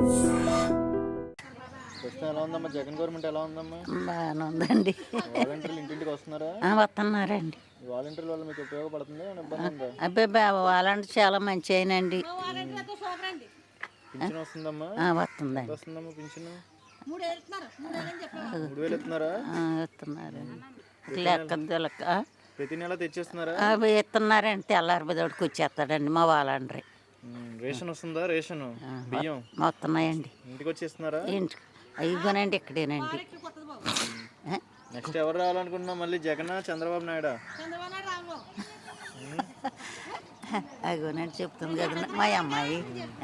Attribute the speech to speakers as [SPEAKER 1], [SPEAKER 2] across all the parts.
[SPEAKER 1] ప్రస్తుతం ఎలా ఉందమ్మా? జగన్ గవర్నమెంట్ ఎలా ఉందమ్మా?
[SPEAKER 2] బాగానే ఉందండి.
[SPEAKER 1] వాలంటీర్లు ఇంటింటికి వస్తున్నారా?
[SPEAKER 2] వస్తున్నారండి.
[SPEAKER 1] వాలంటీర్ల వల్ల మీకు ఉపయోగపడుతుందా? ఏమైనా ఇబ్బంది ఉందా?
[SPEAKER 2] అబ్బాయి వాలంటీర్ చాలా మంచి అయినండి.
[SPEAKER 1] పింఛన్ వస్తుందమ్మా?
[SPEAKER 2] వస్తుందండి.
[SPEAKER 1] వస్తుందమ్మా పింఛన్? 3000 ఇస్తున్నారా?
[SPEAKER 2] ఇస్తున్నారండి. లెక్క
[SPEAKER 1] ప్రతి నెల తెచ్చేస్తున్నారా?
[SPEAKER 2] అవి ఇస్తున్నారండి. తెల్లారిపోదోడికి వచ్చేస్తాడండి మా వాలంటీర్.
[SPEAKER 1] రేషన్ వస్తుందా? రేషన్ బియ్యం
[SPEAKER 2] వస్తున్నాయండి.
[SPEAKER 1] ఇంటికి వచ్చేస్తున్నారా?
[SPEAKER 2] ఇంటికి అయిపోయినండి. ఇక్కడేనండి.
[SPEAKER 1] నెక్స్ట్ ఎవరు రావాలనుకుంటున్నా? మళ్ళీ జగన్, చంద్రబాబు నాయుడు?
[SPEAKER 2] అగోనండి చెప్తుంది కదా మా అమ్మాయి.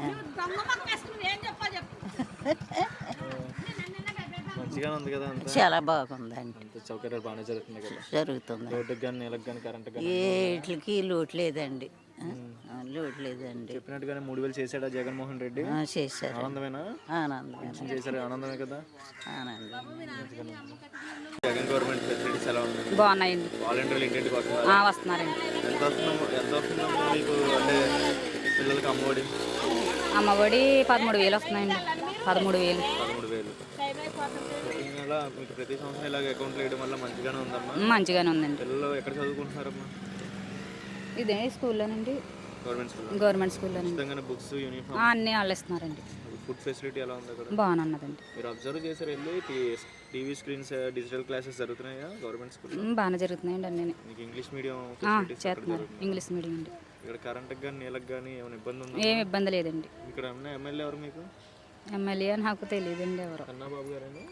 [SPEAKER 1] మంచిగానే ఉంది కదా?
[SPEAKER 2] చాలా బాగుందండి.
[SPEAKER 1] సౌకర్యాలు బాగానే జరుగుతున్నాయి కదా?
[SPEAKER 2] జరుగుతుంది.
[SPEAKER 1] రోడ్డుకి కానీ నీళ్ళకి కానీ కరెంట్ కానీ
[SPEAKER 2] వీటికి లోటు లేదండి. లోటు లేదండి.
[SPEAKER 1] చెప్పినట్టుగానే 3000 చేశాడా జగన్మోహన్ రెడ్డి?
[SPEAKER 2] చేశారు.
[SPEAKER 1] ఆనందమేనా?
[SPEAKER 2] ఆనందమే
[SPEAKER 1] చేశారు. ఆనందమే కదా?
[SPEAKER 2] ఆనందం.
[SPEAKER 1] జగన్ గవర్నమెంట్ ఫెసిలిటీస్ ఎలా ఉన్నాయి?
[SPEAKER 3] బాగున్నాయండి.
[SPEAKER 1] వాలంటీర్లు ఇంటింటికి వస్తున్నారు?
[SPEAKER 3] వస్తున్నారండి.
[SPEAKER 1] ఎంత వస్తుందమ్మా మీకు? అంటే పిల్లలకి అమ్మఒడి
[SPEAKER 3] 13,000 వస్తున్నాయండి. 13,000.
[SPEAKER 1] 13,000 ఇలా మీకు ప్రతి సంవత్సరం ఇలాగ అకౌంట్లు వేయడం వల్ల మంచిగానే ఉందమ్మా?
[SPEAKER 3] మంచిగానే ఉందండి.
[SPEAKER 1] పిల్లలు ఎక్కడ చదువుకుంటున్నారమ్మా?
[SPEAKER 3] ఇదే స్కూల్లోనండి.
[SPEAKER 1] గవర్నమెంట్
[SPEAKER 3] స్కూల్లోనండి.
[SPEAKER 1] బుక్స్, యూనిఫామ్
[SPEAKER 3] అన్నీ వాళ్ళు ఇస్తున్నారండి.
[SPEAKER 1] ఫుడ్ ఫెసిలిటీ ఎలా ఉంది అక్కడ?
[SPEAKER 3] బాగానే ఉన్నదండి.
[SPEAKER 1] మీరు అబ్జర్వ్ చేశారు వెళ్ళి టీవీ స్క్రీన్స్, డిజిటల్ క్లాసెస్ జరుగుతున్నాయా గవర్నమెంట్ స్కూల్?
[SPEAKER 3] బాగానే జరుగుతున్నాయండి అన్నీ.
[SPEAKER 1] మీకు ఇంగ్లీష్ మీడియం
[SPEAKER 3] చేస్తున్నారు. ఇంగ్లీష్ మీడియం అండి.
[SPEAKER 1] ఇక్కడ కరెంట్కి కానీ నీళ్ళకి కానీ ఏమైనా ఇబ్బంది ఉందా?
[SPEAKER 3] ఏమి ఇబ్బంది లేదండి.
[SPEAKER 1] ఇక్కడ ఉన్న ఎమ్మెల్యే ఎవరు మీకు?
[SPEAKER 3] ఎమ్మెల్యే నాకు తెలియదండి ఎవరు.
[SPEAKER 1] కన్నాబాబు గారేనా?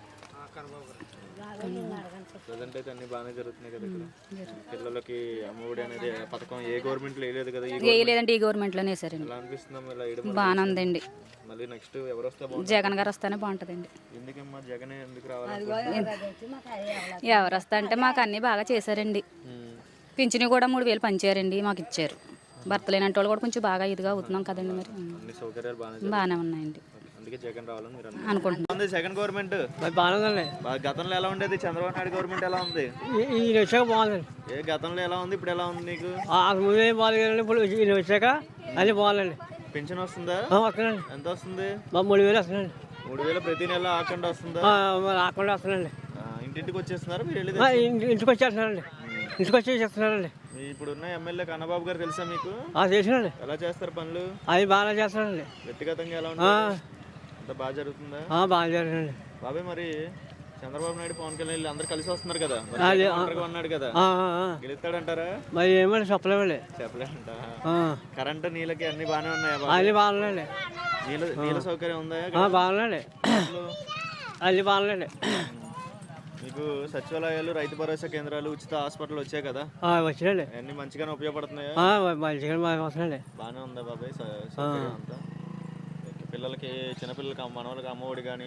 [SPEAKER 1] ప్రజెంట్ అయితే అన్ని బాగానే జరుగుతున్నాయి కదా ఇక్కడ? పిల్లలకి అమ్మఒడి అనేది పథకం ఏ గవర్నమెంట్ లేదు కదా?
[SPEAKER 3] లేదండి, ఈ గవర్నమెంట్లోనే వేసారండి.
[SPEAKER 1] ఎలా అనిపిస్తుందమ్మా ఇలా వేయడం?
[SPEAKER 3] బాగానే ఉందండి.
[SPEAKER 1] మళ్ళీ నెక్స్ట్ ఎవరు వస్తే బాగుంటుంది?
[SPEAKER 3] జగన్ గారు వస్తేనే బాగుంటుందండి.
[SPEAKER 1] ఎందుకమ్మా జగనే ఎందుకు రావాలి?
[SPEAKER 3] ఎవరు వస్తా అంటే మాకు అన్నీ బాగా చేశారండి. పింఛను కూడా 3,000 పంచారండి, మాకు ఇచ్చారు. భర్త లేనంటే వాళ్ళు కూడా కొంచెం బాగా ఇదిగా అవుతున్నాం కదండి. మరి
[SPEAKER 1] అన్ని సౌకర్యాలు
[SPEAKER 3] బాగానే ఉన్నాయండి.
[SPEAKER 1] అందుకే జగన్ రావాలని మీరు
[SPEAKER 3] అనుకుంటున్నాం.
[SPEAKER 1] జగన్ గవర్నమెంట్
[SPEAKER 4] బాగుందండి.
[SPEAKER 1] గతంలో ఎలా ఉండేది? చంద్రబాబు నాయుడు గవర్నమెంట్ ఎలా ఉంది?
[SPEAKER 4] ఈయన వచ్చాక బాగుందండి.
[SPEAKER 1] గతంలో ఎలా ఉంది, ఇప్పుడు ఎలా ఉంది నీకు?
[SPEAKER 4] ముందే బాగాలేదండి, ఇప్పుడు ఈయన వచ్చాక అన్నీ బాగుందండి.
[SPEAKER 1] పెన్షన్ వస్తుందా?
[SPEAKER 4] వస్తుందండి.
[SPEAKER 1] ఎంత వస్తుంది?
[SPEAKER 4] 3,000 వస్తుందండి.
[SPEAKER 1] 3,000 ప్రతి నెల ఆకుండా వస్తుందా?
[SPEAKER 4] రాకుండా వస్తుందండి.
[SPEAKER 1] ఇంటింటికి వచ్చేస్తున్నారు మీరు?
[SPEAKER 4] ఇంటికి వచ్చేస్తున్నారండి. ఇంటికి వచ్చి చేస్తున్నారండి.
[SPEAKER 1] ఇప్పుడు ఉన్న ఎమ్మెల్యే కన్నబాబు గారు తెలుసా మీకు?
[SPEAKER 4] చేసినండి.
[SPEAKER 1] ఎలా చేస్తారు పనులు?
[SPEAKER 4] అది బాగా చేస్తారండి.
[SPEAKER 1] వ్యక్తిగతంగా ఎలా ఉంటుంది? అంత బాగా జరుగుతుందా?
[SPEAKER 4] బాగా జరుగుతుందండి.
[SPEAKER 1] బాబాయ్ మరి చంద్రబాబు నాయుడు, పవన్ కళ్యాణ్ అందరు కలిసి వస్తున్నారు కదా? అన్నాడు కదా, గెలుస్తాడంటారా?
[SPEAKER 4] మరి ఏమని చెప్పలేమండి.
[SPEAKER 1] చెప్పలేదంట. కరెంట్, నీళ్ళకి అన్ని బాగానే ఉన్నాయా?
[SPEAKER 4] అన్ని బాగున్నాయండి.
[SPEAKER 1] నీళ్ళ సౌకర్యం ఉందా?
[SPEAKER 4] బాగున్నాయండి. అన్ని బాగున్నాయండి.
[SPEAKER 1] మీకు సచివాలయాలు, రైతు భరోసా కేంద్రాలు, ఉచిత హాస్పిటల్ వచ్చాయి కదా?
[SPEAKER 4] వచ్చినండి.
[SPEAKER 1] అన్ని మంచిగానే ఉపయోగపడుతున్నాయా?
[SPEAKER 4] మంచిగా వస్తున్నాయండి.
[SPEAKER 1] బాగానే ఉందా బాబాయ్ సౌకర్యం అంతా? పిల్లలకి, చిన్నపిల్లలకి, మనవలకి అమ్మఒడి కానీ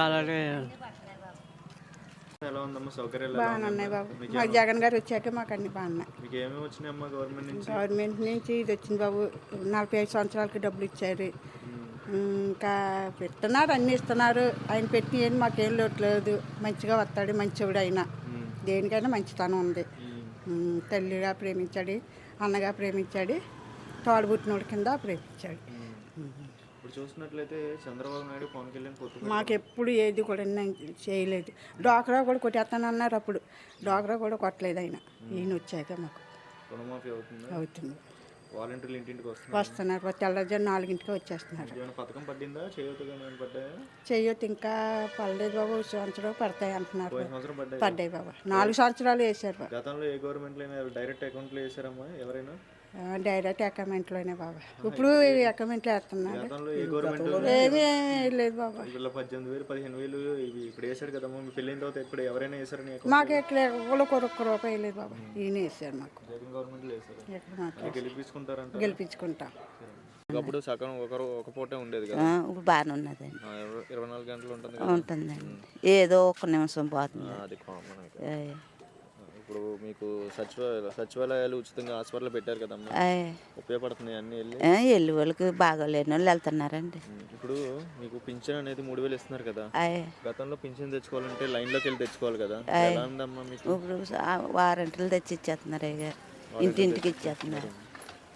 [SPEAKER 1] ఎలా ఉందమ్మా సౌకర్యాలు?
[SPEAKER 5] బాగానే ఉన్నాయి బాబు. మాకు జగన్ గారు వచ్చాక మాకు అన్ని బాగున్నాయి.
[SPEAKER 1] మీకు ఏమేమి వచ్చినాయమ్మా గవర్నమెంట్ నుంచి?
[SPEAKER 5] గవర్నమెంట్ నుంచి ఇది వచ్చింది బాబు. 45 సంవత్సరాలకి డబ్బులు ఇచ్చారు. ఇంకా పెడుతున్నారు, అన్నీ ఇస్తున్నారు. ఆయన పెట్టిన మాకేం లోట్లేదు. మంచిగా వస్తాడు, మంచివాడు. అయినా దేనికైనా మంచితనం ఉంది. తల్లిగా ప్రేమించాడు, అన్నగా ప్రేమించాడు, తోడబుట్టినోడి కింద ప్రేమించాడు.
[SPEAKER 1] ఇప్పుడు చూసినట్లయితే చంద్రబాబు నాయుడు, పవన్ కళ్యాణ్ పొత్తు
[SPEAKER 5] మాకెప్పుడు ఏది కూడా చేయలేదు. డ్వాక్రా కూడా కొట్టేస్తానన్నారు. అప్పుడు డ్వాక్రా కూడా కొట్టలేదు ఆయన. ఈయన వచ్చాక మాకు
[SPEAKER 1] రుణమాఫీ
[SPEAKER 5] అవుతుంది.
[SPEAKER 1] వాలంటీర్లు ఇంటింటికి
[SPEAKER 5] వస్తున్నారు. తెల్లజారు 4ంటికి వచ్చేస్తున్నారు.
[SPEAKER 1] పథకం పడిందా?
[SPEAKER 5] చేయొద్దు ఇంకా పడలేదు బాబు. సంవత్సరం పడతాయి అంటున్నారు. పడ్డాయి బాబా. 4 సంవత్సరాలు వేసారు బాబు.
[SPEAKER 1] గతంలో ఏ గవర్నమెంట్ డైరెక్ట్ అకౌంట్లో వేసారమ్మా ఎవరైనా?
[SPEAKER 5] డైరెక్ట్ అకౌంట్లోనే బాబా. ఇప్పుడు అకౌంట్లో వేస్తున్నారు. ఏమీ లేదు బాబా.
[SPEAKER 1] 18,000, 15,000 ఇవి ఇప్పుడు వేసాడు కదమ్మా. మీ పెళ్ళిన తర్వాత ఇప్పుడు ఎవరైనా వేసారని?
[SPEAKER 5] మాకు ఎట్లా ఒక్క రూపాయి లేదు బాబా. ఈయన వేసారు మాకు.
[SPEAKER 1] జగన్ గవర్నమెంట్ వేసారు.
[SPEAKER 5] గెలిపించుకుంటాం.
[SPEAKER 1] అప్పుడు సగం ఒక పూటే ఉండేది కదా?
[SPEAKER 2] ఇప్పుడు బాగానే ఉన్నదండి.
[SPEAKER 1] 24 గంటలు
[SPEAKER 2] ఉంటుందండి. ఏదో ఒక నిమిషం పోతుంది.
[SPEAKER 1] అది కామన్. ఇప్పుడు మీకు సచివాలయాలు ఉచితంగా హాస్పిటల్ పెట్టారు కదమ్మా, ఉపయోగపడుతున్నాయి అన్ని?
[SPEAKER 2] వెళ్ళి వాళ్ళకి బాగోలేని వాళ్ళు వెళ్తున్నారండి.
[SPEAKER 1] ఇప్పుడు మీకు పింఛన్ అనేది 3,000 ఇస్తున్నారు కదా? గతంలో పింఛన్ తెచ్చుకోవాలంటే లైన్లోకి వెళ్ళి తెచ్చుకోవాలి కదా? ఎలా ఉందమ్మా మీకు?
[SPEAKER 2] ఇప్పుడు వారంటీలు తెచ్చి ఇచ్చేస్తున్నారు. ఇంటింటికి ఇచ్చేస్తున్నారు.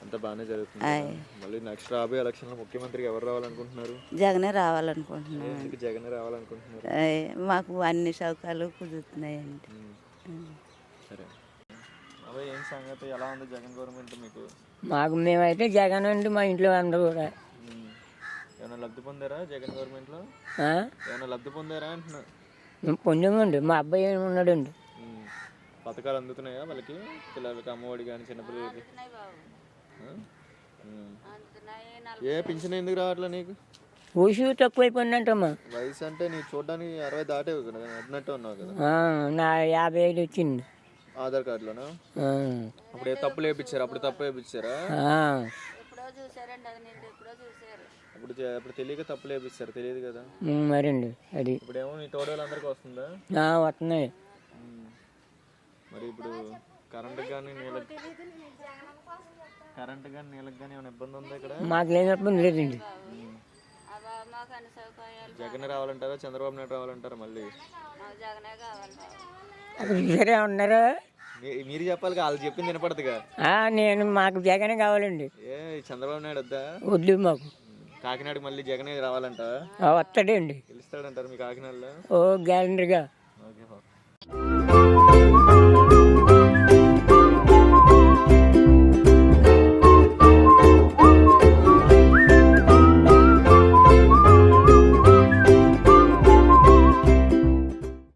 [SPEAKER 1] అంతా బాగానే జరుగుతుంది కదా? మళ్ళీ నెక్స్ట్ రాబోయే ఎలక్షన్లో ముఖ్యమంత్రికి ఎవరు రావాలనుకుంటున్నారు?
[SPEAKER 2] జగనే రావాలనుకుంటున్నాం.
[SPEAKER 1] ఎందుకు జగన్ రావాలనుకుంటున్నారు?
[SPEAKER 2] మాకు అన్ని సౌకర్యాలు కుదురుతున్నాయండి.
[SPEAKER 1] సరే అబ్బాయి, ఏం సంగతి, ఎలా ఉంది జగన్ గవర్నమెంట్ మీకు?
[SPEAKER 6] మాకు మేమైతే జగన్ అండి, మా ఇంట్లో అందరూ కూడా.
[SPEAKER 1] ఏమైనా లబ్ధి పొందారా జగన్ గవర్నమెంట్లో? ఏమైనా లబ్ధి పొందారా అంటున్నా?
[SPEAKER 6] మేము పొందామండి, మా అబ్బాయి ఉన్నాడండి.
[SPEAKER 1] పథకాలు అందుతున్నాయా వాళ్ళకి, పిల్లలకి అమ్మఒడి కానీ చిన్నపిల్లలకి? ఏ పింఛన్ ఎందుకు రావట్లే నీకు?
[SPEAKER 6] ఊసి తక్కువైపోయిందంటమ్మా.
[SPEAKER 1] వయసు అంటే నీకు చూడడానికి 60 దాటేవి కదా, అన్నట్టు ఉన్నావు కదా.
[SPEAKER 6] నా 55 వచ్చింది
[SPEAKER 1] ఆధార్ కార్డులోనా? అప్పుడు ఏ తప్పులు వేయించారు? అప్పుడు తప్పు వేయించారా? అప్పుడు తెలియక తప్పులు వేపిస్తారు, తెలియదు కదా
[SPEAKER 6] మరండి. అది
[SPEAKER 1] ఇప్పుడేమో నీ తోడు వాళ్ళందరికీ వస్తుందా?
[SPEAKER 6] వస్తున్నాయి.
[SPEAKER 1] మరి ఇప్పుడు కరెంటుకి కానీ నీళ్ళకి ఏమైనా ఇబ్బంది ఉందా ఇక్కడ?
[SPEAKER 6] మాకు లేని ఇబ్బంది లేదండి.
[SPEAKER 1] జగన్ రావాలంటారా చంద్రబాబు నాయుడు రావాలంటారా? మళ్ళీ
[SPEAKER 6] సరే ఉన్నారా?
[SPEAKER 1] మీరు చెప్పాలి, వాళ్ళు చెప్పింది వినపడదుగా.
[SPEAKER 6] మాకు జగనే కావాలండి.
[SPEAKER 1] ఏ చంద్రబాబు నాయుడు వద్దా?
[SPEAKER 6] వద్దు మాకు.
[SPEAKER 1] కాకినాడకి మళ్ళీ జగనే రావాలంట.
[SPEAKER 6] వస్తాడండి.
[SPEAKER 1] గెలుస్తాడంటారు మీ కాకినాడలో?
[SPEAKER 6] గ్యారంటీగా.
[SPEAKER 1] ఓకే.